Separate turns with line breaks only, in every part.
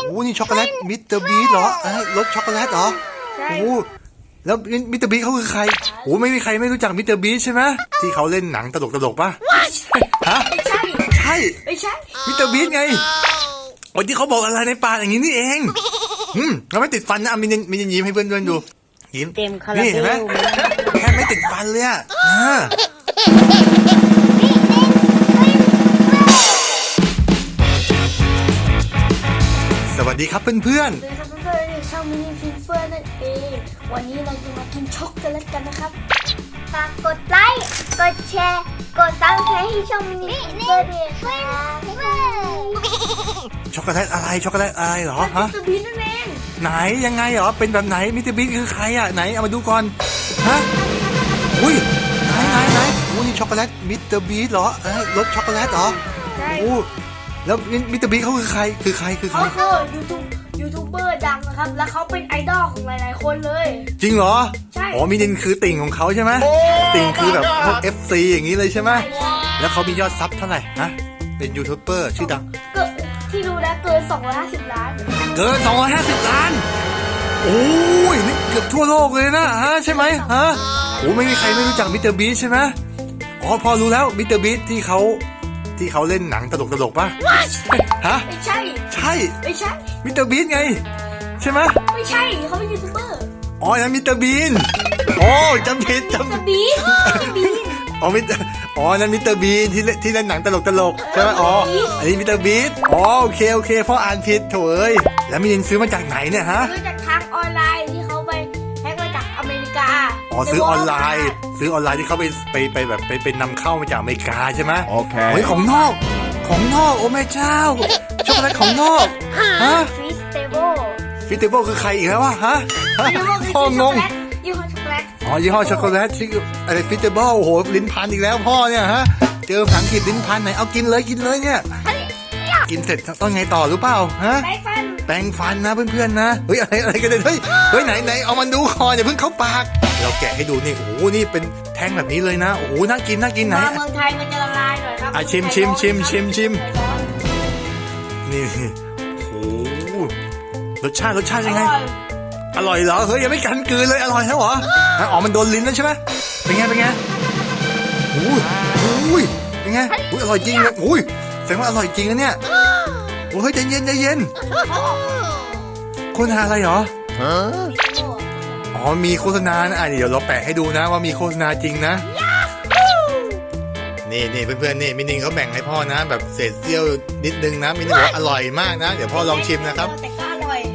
โอ้นี่ช็อกโกแลตมิสเตอร์บีทเหรอรสช็อกโกแลตเหรอโอ้แล้วมิสเตอร์บีทเขาคือใครโอ้ไม่มีใครไม่รู้จักมิสเตอร์บีทใช่ไหมที่เขาเล่นหนังตลกป่ะฮะใช่มิสเตอร์บีทไงวันที่เขาบอกอะไรในปากอย่างนี้นี่เองเราไม่ติดฟันนะมินยิ้มให้เพื่อนดูยิ้มนี่เห็นไหมแค่ไม่ติดฟันเลยอ่ะสวัสดีครับเพื่อน
ๆช่องมินิฟินเฟอร์นั่นเองวันนี้เราจะมากินช็อกโกแลตกันนะครับฝากกดไลค์กดแชร์กดซับสไครต์ให้ช่องมินิฟินเฟอร์ด้วยค่ะ
ช็อกโกแลตอะไรเหรอฮะ
มิสเตอร์บีนนั่นเอง
ไหนยังไงเหรอเป็นแบบไหนมิสเตอร์บีนคือใครอ่ะไหนเอามาดูก่อนฮะอุ้ยไหนโอ้นี่ช็อกโกแลตมิสเตอร์บีนเหรอรสช็อกโกแลตเหรอโอ้แล้วมิสเตอร์บีนเขาคือใครเขา
คือยูทูบเบอร์ดังนะครับแล้วเขาเป็นไอดอลของหลายๆคนเลย
จริงเหรอ
ใช่
อ๋อมินินคือติ่งของเขาใช่ไหมติ่งคือแบบพวก FC อย่างนี้เลยใช่ไหมแล้วเขามียอดซับเท่าไหร่ฮะเป็นยูทูบเบอร์ชื่อดัง
ที่รู้นะเกิน250 ล้าน
เกิน250 ล้านโอ้ยนี่เกือบทั่วโลกเลยนะฮะใช่ไหมฮะโอ้ไม่มีใครไม่รู้จักมิสเตอร์บีทใช่ไหมอ๋อพอรู้แล้วมิสเตอร์บีทที่เขาเล่นหนังตลกป่ะฮะ
ไม่ใช่
มิสเตอร์บีนไงใช่ไหม
ไม่ใช่เขาเป็นยูทูบเบอร์
อ๋อนั่นมิสเตอร์บีนโอ้จำผิด
บีน
อ๋อนั่นมิสเตอร์บีนที่เล่นหนังตลกใช่ไหมอ๋ออันนี้มิสเตอร์บีนอ๋อโอเคพ่ออ่านผิดโถเอ้ยแล้วมินินซื้อมาจากไหนเนี่ยฮะ
ซื้อจากทางออนไลน์ที่เขาไปแฮ็กมาจากอเมริกา
อ๋อซื้อออนไลน์ที่เขาไปแบบไปนำเข้ามาจากอเมริกาใช่ไหมโอเคเฮ้ยของนอกโอ้แม่เจ้าช็อกโกแลตของนอกฮะฟิสเตเบิลคือใครอีกแล้ววะฮะพ่องง
ยี่ห้อช็อกโกแลต
อ๋อยี่ห้อช็อกโกแลตชื่ออะไรฟิสเตเบิลโอ้โหลิ้นพันอีกแล้วพ่อเนี่ยฮะเจอภาษาอังกฤษลิ้นพันไหนเอากินเลยเนี่ยกินเสร็จต้องไงต่อรู้เปล่าฮะแปรงฟันนะเพื่อนๆนะเฮ้ยอะไรกันเลยเฮ้ยไหนเอามันดูคออย่าเพิ่งเข้าปากเราแกะให้ดูนี่โอ้โหนี่เป็นแท่งแบบนี้เลยนะโอ้โหน่ากินไหน
เมืองไทยมันจะละลายหน่อยครับ
ชิมนี่โอ้โหรสชาติยังไงอร่อยเหรอเฮ้ยยังไม่กันกลืนเลยอร่อยแล้วเหรออ๋อมันโดนลิ้นแล้วใช่ไหมเป็นไงโอ้ยเป็นไงอร่อยจริงเลยโอ้ยแสดงว่าอร่อยจริงนะเนี่ยโอ้ยใจเย็นโฆษณาอะไรเหรออ๋อมีโฆษณานะเดี๋ยวเราแปะให้ดูนะว่ามีโฆษณาจริงนะนี่เพื่อนๆนี่มินิงเขาแบ่งให้พ่อนะแบบเศษเสี้ยวนิดนึงนะมินิงบอกอร่อยมากนะเดี๋ยวพ่อลองชิมนะครับ
แต่ก็อร่อย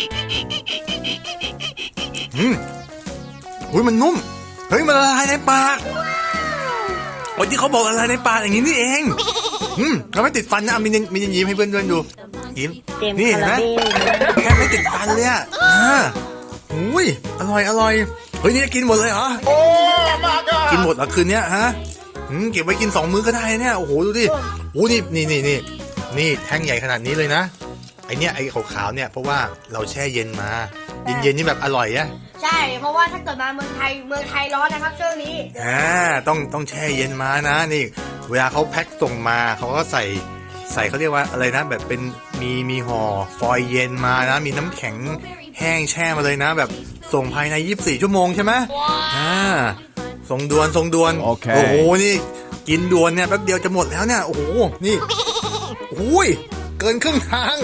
อุ้ยมันนุ่มเฮ้ยมันละลายในปากวันที่เขาบอกละลายในปากอย่างนี้นี่เองเราไม่ติดฟันนะมินิงยิ้มให้เพื่อนๆดูยิ้มนี่เห็นไหมแค่ไม่ติดฟันเลยอ่ะอุ้ยอร่อยเฮ้ยนี่กินหมดเลยเหรอกินหมดเหรอคืนนี้ฮะเก็บไว้กิน2 มื้อก็ได้เนี่ยโอ้โหดูดิโอ้นี่แท่งใหญ่ขนาดนี้เลยนะไอเนี้ยไอขาวๆเนี่ยเพราะว่าเราแช่เย็นมาเย็นนี่แบบอร่อยนะ
ใช่เพราะว่าถ้าเกิดมาเมืองไทยร้อนนะครับช่วงนี้
ต้องแช่เย็นมานะนี่เวลาเขาแพ็คส่งมาเขาก็ใส่เขาเรียกว่าอะไรนะแบบเป็นมีห่อฟอยล์เย็นมานะมีน้ำแข็งแห้งแช่มาเลยนะแบบส่งภายใน24 ชั่วโมงใช่ไหมส่งด่วนโอ้โหนี่กินด่วนเนี่ยแป๊บเดียวจะหมดแล้วเนี่ยโอ้โหนี่โอ้ยเกินครึ่งทาง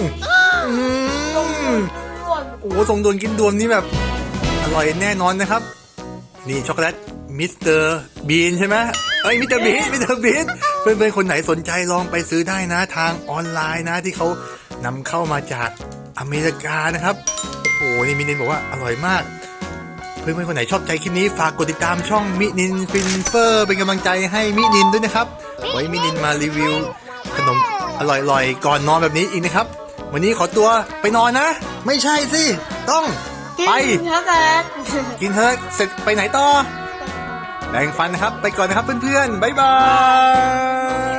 โอ้โหส่งด่วนกินด่วนนี่แบบอร่อยแน่นอนนะครับนี่ช็อกโกแลตมิสเตอร์บีนใช่ไหมมิสเตอร์บีนเพื่อนๆคนไหนสนใจลองไปซื้อได้นะทางออนไลน์นะที่เขานำเข้ามาจากอเมริกานะครับโอ้โหนี่มินินบอกว่าอร่อยมากเพื่อนๆคนไหนชอบใจคลิปนี้ฝากกดติดตามช่องมินินฟินเฟอร์เป็นกำลังใจให้มินินด้วยนะครับไว้มินินมารีวิวขนมอร่อยๆก่อนนอนแบบนี้อีกนะครับวันนี้ขอตัวไปนอนนะไม่ใช่สิต้องไปกินเถอะเสร็จไปไหนต่อแบ่งฟันนะครับไปก่อนนะครับเพื่อนๆบ๊ายบาย